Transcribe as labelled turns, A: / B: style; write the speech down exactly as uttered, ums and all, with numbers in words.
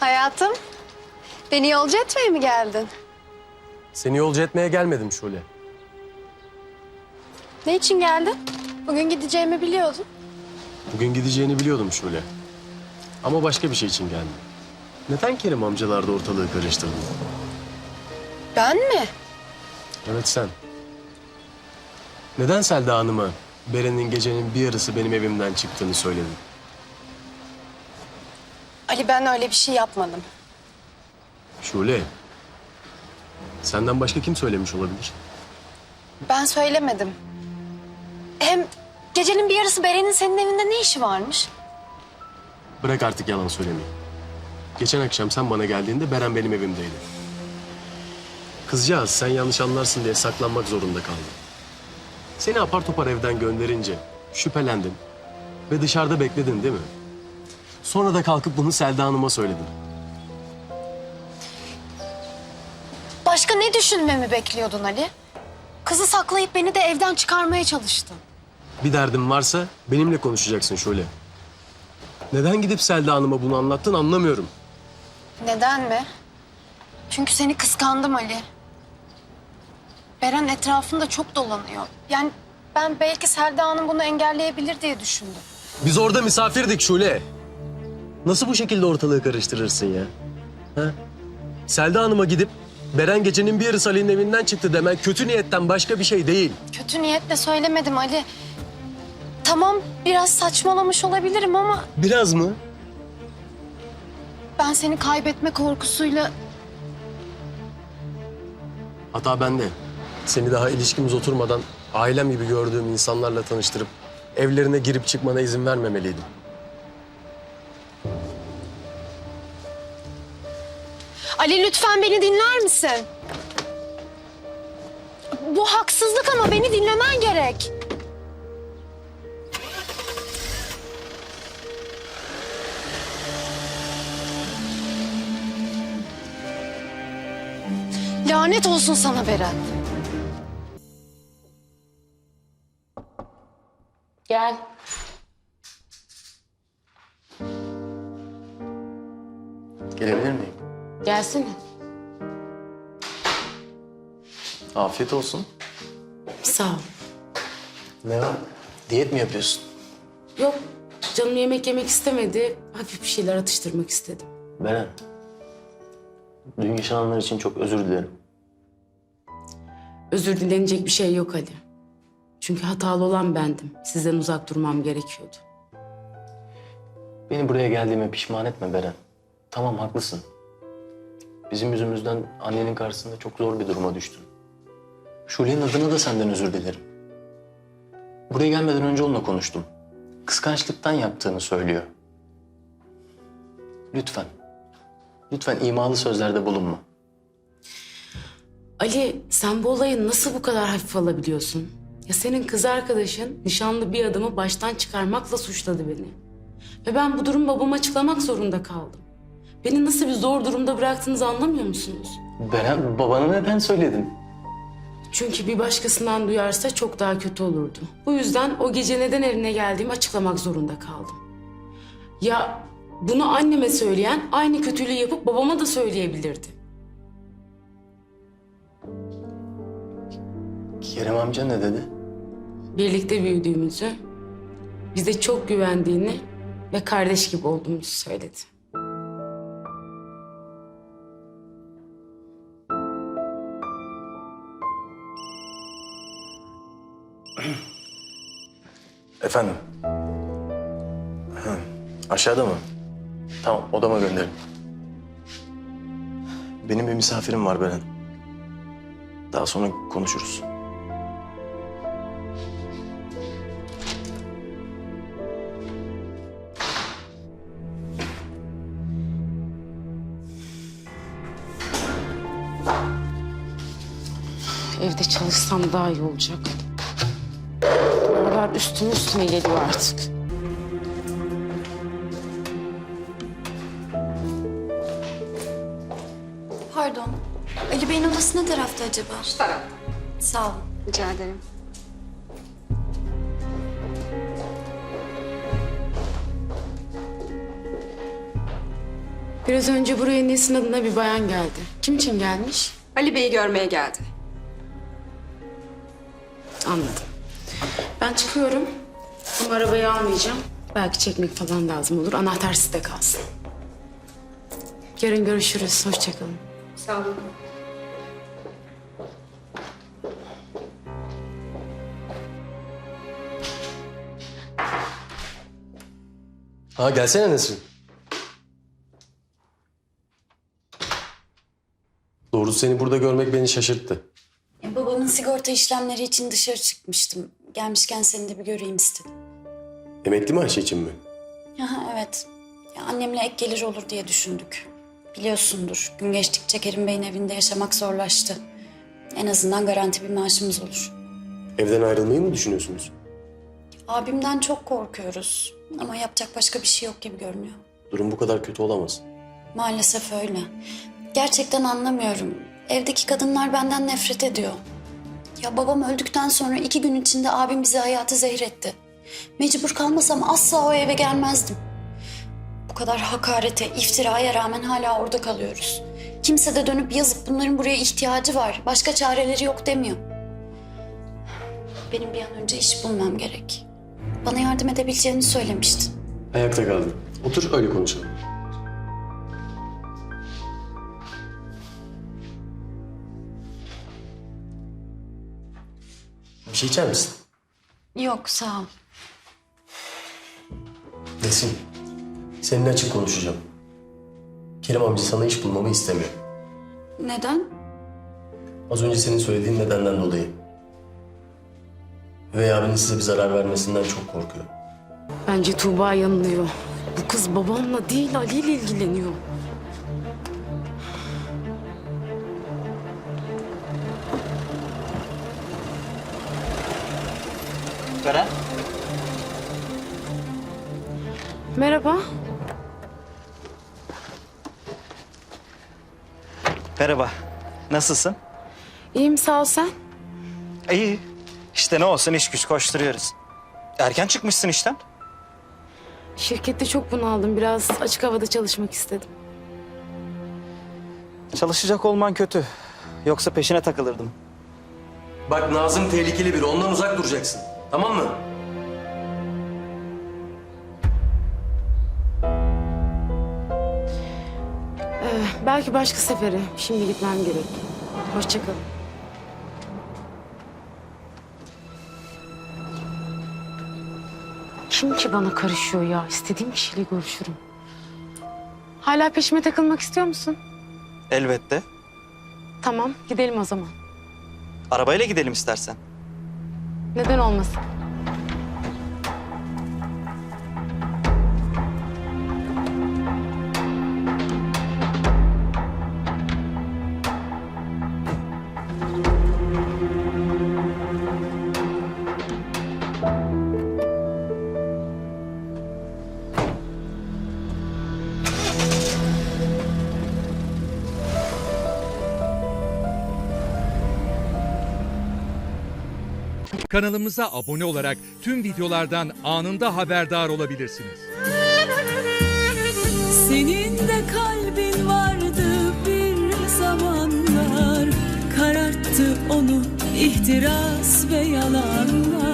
A: Hayatım, beni yolcu etmeye mi geldin?
B: Seni yolcu etmeye gelmedim Şule.
A: Ne için geldin? Bugün gideceğimi biliyordun.
B: Bugün gideceğini biliyordum Şule. Ama başka bir şey için geldim. Neden Kerim amcalarda ortalığı karıştırdın?
A: Ben mi?
B: Evet sen. Neden Selda Hanım'a Beren'in gecenin bir yarısı benim evimden çıktığını söyledin?
A: Ali, ben öyle bir şey yapmadım.
B: Şule, senden başka kim söylemiş olabilir?
A: Ben söylemedim. Hem gecenin bir yarısı Beren'in senin evinde ne işi varmış?
B: Bırak artık yalan söylemeyi. Geçen akşam sen bana geldiğinde Beren benim evimdeydi. Kızcağız sen yanlış anlarsın diye saklanmak zorunda kaldı. Seni apar topar evden gönderince şüphelendin ve dışarıda bekledin değil mi? Sonra da kalkıp bunu Selda Hanım'a söyledin.
A: Başka ne düşünmemi bekliyordun Ali? Kızı saklayıp beni de evden çıkarmaya çalıştın.
B: Bir derdin varsa benimle konuşacaksın Şule. Neden gidip Selda Hanım'a bunu anlattın anlamıyorum.
A: Neden mi? Çünkü seni kıskandım Ali. Beren etrafında çok dolanıyor. Yani ben belki Selda Hanım bunu engelleyebilir diye düşündüm.
B: Biz orada misafirdik Şule. Nasıl bu şekilde ortalığı karıştırırsın ya? Ha? Selda Hanım'a gidip Beren gecenin bir yarısı Ali'nin evinden çıktı demen kötü niyetten başka bir şey değil.
A: Kötü niyetle söylemedim Ali. Tamam, biraz saçmalamış olabilirim ama
B: Biraz mı?
A: ben seni kaybetme korkusuyla...
B: Hata bende. Seni daha ilişkimiz oturmadan ailem gibi gördüğüm insanlarla tanıştırıp evlerine girip çıkmana izin vermemeliydim.
A: Ali, lütfen beni dinler misin? Bu haksızlık ama beni dinlemen gerek. Lanet olsun sana Beren.
C: Gel.
B: Gelebilir miyim?
C: Gelsene.
B: Afiyet olsun.
C: Sağ ol.
B: Ne var? Diyet mi yapıyorsun?
C: Yok, canım yemek yemek istemedi. Hafif bir şeyler atıştırmak istedim.
D: Beren, dün yaşananlar için çok özür dilerim.
C: Özür dilenecek bir şey yok Ali. Çünkü hatalı olan bendim. Sizden uzak durmam gerekiyordu.
D: Beni buraya geldiğime pişman etme Beren. Tamam, haklısın. Bizim yüzümüzden annenin karşısında çok zor bir duruma düştün. Şule'nin adına da senden özür dilerim. Buraya gelmeden önce onunla konuştum. Kıskançlıktan yaptığını söylüyor. Lütfen, lütfen imalı sözlerde bulunma.
C: Ali, sen bu olayı nasıl bu kadar hafif alabiliyorsun? Ya senin kız arkadaşın nişanlı bir adamı baştan çıkarmakla suçladı beni. Ve ben bu durumu babama açıklamak zorunda kaldım. Beni nasıl bir zor durumda bıraktığınızı anlamıyor musunuz?
D: Beren, babana neden söyledin?
C: Çünkü bir başkasından duyarsa çok daha kötü olurdu. Bu yüzden o gece neden evine geldiğimi açıklamak zorunda kaldım. Ya bunu anneme söyleyen aynı kötülüğü yapıp babama da söyleyebilirdi.
D: Kerem amca ne dedi?
C: Birlikte büyüdüğümüzü, bize çok güvendiğini ve kardeş gibi olduğumuzu söyledi.
D: Efendim? Hı, aşağıda mı? Tamam, odama gönderin. Benim bir misafirim var Beren. Daha sonra konuşuruz.
C: Evde çalışsam daha iyi olacak. Oralar üstüme üstüme geliyor artık.
E: Pardon. Ali Bey'in odası ne tarafta acaba? Şu taraf. Sağ olun.
A: Rica ederim.
C: Biraz önce buraya Nesin adına bir bayan geldi. Kim için gelmiş?
F: Ali Bey'i görmeye geldi.
C: Anladım. Ben çıkıyorum. Ama arabayı almayacağım. Belki çekmek falan lazım olur. Anahtar sizde kalsın. Yarın görüşürüz. Hoşçakalın.
F: Sağ olun.
B: Ha gelsene Nesrin. Doğrusu seni burada görmek beni şaşırttı.
E: Ya, babamın sigorta işlemleri için dışarı çıkmıştım. Gelmişken seni de bir göreyim istedim.
B: Emekli maaşı için mi?
E: Aha, evet. Ya, annemle ek gelir olur diye düşündük. Biliyorsundur, gün geçtikçe Kerim Bey'in evinde yaşamak zorlaştı. En azından garanti bir maaşımız olur.
B: Evden ayrılmayı mı düşünüyorsunuz?
E: Abimden çok korkuyoruz. Ama yapacak başka bir şey yok gibi görünüyor.
B: Durum bu kadar kötü olamaz.
E: Maalesef öyle. Gerçekten anlamıyorum. Evdeki kadınlar benden nefret ediyor. Ya babam öldükten sonra iki gün içinde abim bize hayatı zehretti. Mecbur kalmasam asla o eve gelmezdim. Bu kadar hakarete, iftiraya rağmen hala orada kalıyoruz. Kimse de dönüp yazıp bunların buraya ihtiyacı var, başka çareleri yok demiyor. Benim bir an önce iş bulmam gerek. Bana yardım edebileceğini söylemiştin.
B: Ayakta kaldım. Otur öyle konuşalım. Bir şey içer misin?
E: Yok, sağ ol.
B: Nesin, seninle açık konuşacağım. Kerim amca sana iş bulmamı istemiyor.
E: Neden?
B: Az önce senin söylediğin nedenden dolayı. Üvey abinin size bir zarar vermesinden çok korkuyor.
C: Bence Tuğba yanılıyor. Bu kız babamla değil Ali ile ilgileniyor.
G: Beren.
C: Merhaba.
G: Merhaba. Nasılsın?
C: İyiyim sağ ol sen.
G: İyi. İşte ne olsun iş güç koşturuyoruz. Erken çıkmışsın işten.
C: Şirkette çok bunaldım. Biraz açık havada çalışmak istedim.
G: Çalışacak olman kötü. Yoksa peşine takılırdım.
B: Bak Nazım tehlikeli biri, ondan uzak duracaksın. Tamam mı?
C: Ee, belki başka sefere. Şimdi gitmem gerek. Hoşça kalın. Kim ki bana karışıyor ya? İstediğim kişiyle görüşürüm. Hala peşime takılmak istiyor musun?
G: Elbette.
C: Tamam, gidelim o zaman.
G: Arabayla gidelim istersen.
C: Neden olmasın?
H: Kanalımıza abone olarak tüm videolardan anında haberdar olabilirsiniz.
I: Senin de kalbin vardı bir zamanlar, kararttı onu ihtiras ve yalanlar.